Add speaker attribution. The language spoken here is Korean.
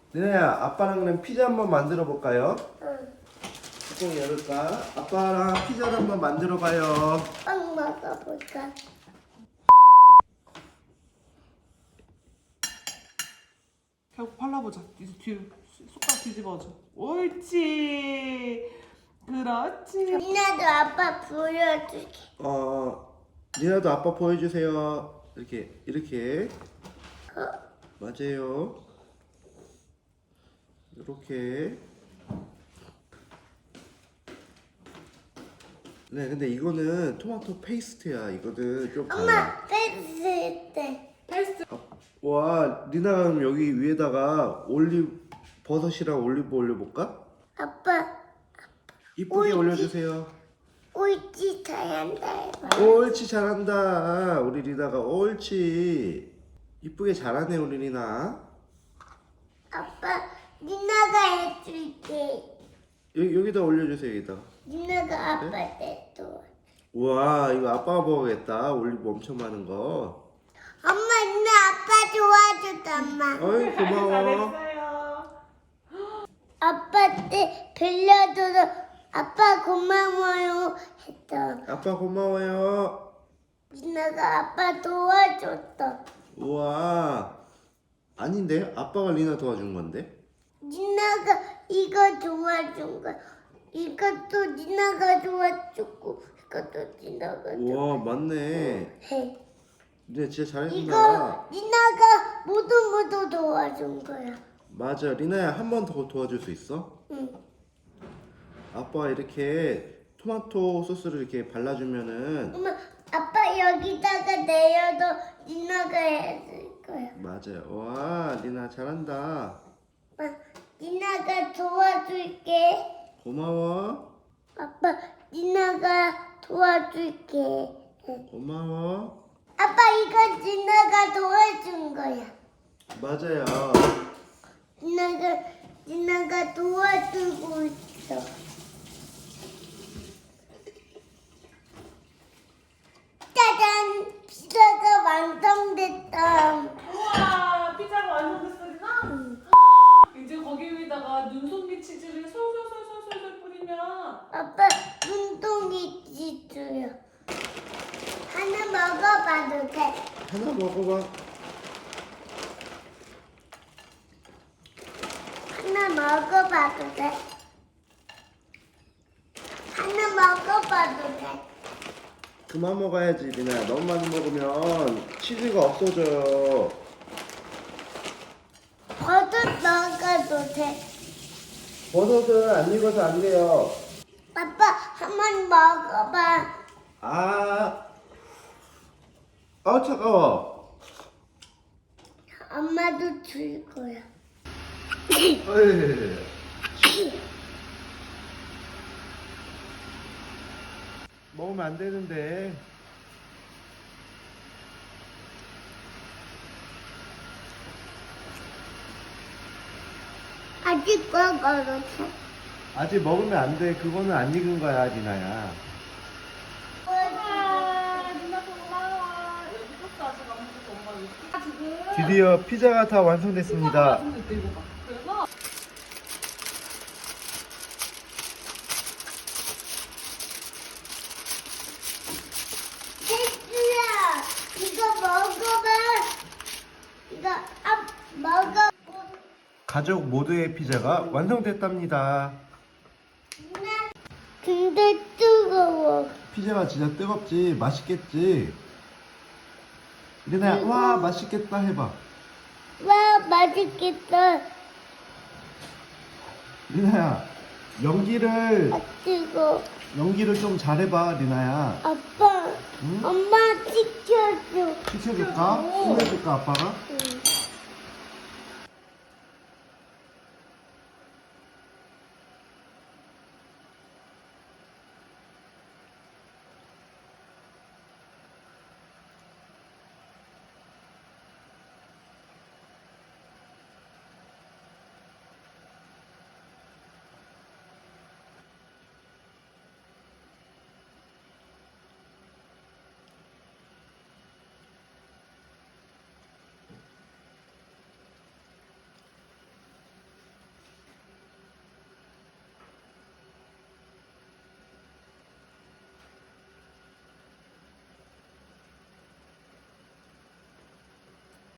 Speaker 1: 리나야, 아빠랑 그럼 피자 한번 만들어 볼까요?
Speaker 2: 응.
Speaker 1: 뚜껑 열을까? 아빠랑 피자를 한번 만들어 봐요.
Speaker 2: 빵 먹어볼까?
Speaker 3: 결국 발라보자. 이제 뒤로 손가락 뒤집어줘. 옳지. 그렇지.
Speaker 2: 니나도 아빠 보여줄게.
Speaker 1: 리나도 아빠 보여주세요. 이렇게. 맞아요. 이렇게. 네, 근데 이거는 토마토 페이스트야. 이거는 좀 달라.
Speaker 2: 엄마 뺐을 때.
Speaker 3: 페이스트.
Speaker 1: 와, 리나가 그럼 여기 위에다가 버섯이랑 올리브 올려볼까?
Speaker 2: 아빠
Speaker 1: 이쁘게
Speaker 2: 옳지.
Speaker 1: 올려주세요.
Speaker 2: 옳지 잘한다 해봐.
Speaker 1: 옳지, 잘한다. 우리 리나가 옳지. 이쁘게 잘하네, 우리 리나.
Speaker 2: 아빠 니나가 해줄게.
Speaker 1: 여기다 올려주세요, 여기다가.
Speaker 2: 니나가 아빠 때도.
Speaker 1: 우와, 이거 아빠가 먹어야겠다. 올리브 엄청 많은 거.
Speaker 2: 엄마 니나 아빠 도와줬다 엄마.
Speaker 1: 어이, 고마워.
Speaker 3: 잘했어요.
Speaker 2: 아빠 때 빌려줘서 아빠 고마워요 했다.
Speaker 1: 아빠 고마워요.
Speaker 2: 니나가 아빠 도와줬다.
Speaker 1: 우와. 아닌데? 아빠가 리나 도와준 건데?
Speaker 2: 니나가 이거 도와준 거야. 이것도 니나가 도와줬고 이것도 니나가
Speaker 1: 우와, 맞네.
Speaker 2: 해.
Speaker 1: 리나 진짜 잘해준다.
Speaker 2: 이거 니나가 모두 도와준 거야.
Speaker 1: 맞아. 리나야, 한 번 더 도와줄 수 있어?
Speaker 2: 응.
Speaker 1: 아빠가 이렇게 토마토 소스를 이렇게 발라주면은
Speaker 2: 엄마 아빠 여기다가 내려도 니나가 해줄 거야.
Speaker 1: 맞아요. 와, 리나 잘한다.
Speaker 2: 아빠 니나가 도와줄게.
Speaker 1: 고마워.
Speaker 2: 아빠 니나가 도와줄게.
Speaker 1: 고마워.
Speaker 2: 아빠 이거 니나가 도와준 거야.
Speaker 1: 맞아요.
Speaker 2: 니나가 도와주고 있어. 짜잔! 피자가 완성됐다.
Speaker 3: 우와, 피자가 완성됐어, 리나? 이제 거기 위에다가 눈송이 치즈를 솔솔솔솔솔 뿌리면
Speaker 2: 아빠 눈동이 찢어요. 하나 먹어봐도 돼.
Speaker 1: 하나 먹어봐.
Speaker 2: 하나 먹어봐도 돼. 하나 먹어봐도 돼.
Speaker 1: 그만 먹어야지, 리나야. 너무 많이 먹으면 치즈가 없어져요.
Speaker 2: 버섯 먹어도 돼.
Speaker 1: 버섯은 안 익어서 안 돼요.
Speaker 2: 아빠 한번 먹어봐.
Speaker 1: 차가워.
Speaker 2: 엄마도 줄 거야.
Speaker 1: 어이. 먹으면 안 되는데.
Speaker 2: 아직 먹어도 돼.
Speaker 1: 아직 먹으면 안 돼. 그거는 안 익은 거야, 리나야.
Speaker 3: 우와, 리나 고마워. 여기 소스 아직 안 먹어서 엄마 이거 지금
Speaker 1: 드디어 피자가 다 완성됐습니다.
Speaker 3: 완성됐대, 이거 봐. 그래서
Speaker 2: 혜주야, 이거 먹어봐. 이거 먹어.
Speaker 1: 가족 모두의 피자가 완성됐답니다.
Speaker 2: 근데 뜨거워.
Speaker 1: 피자가 진짜 뜨겁지? 맛있겠지? 리나야, 와, 맛있겠다 해봐.
Speaker 2: 와, 맛있겠다.
Speaker 1: 리나야, 연기를
Speaker 2: 뜨거.
Speaker 1: 좀 잘해봐, 리나야.
Speaker 2: 아빠,
Speaker 1: 응?
Speaker 2: 엄마 시켜줘.
Speaker 1: 시켜줄까? 혼내줄까, 아빠가?
Speaker 2: 응.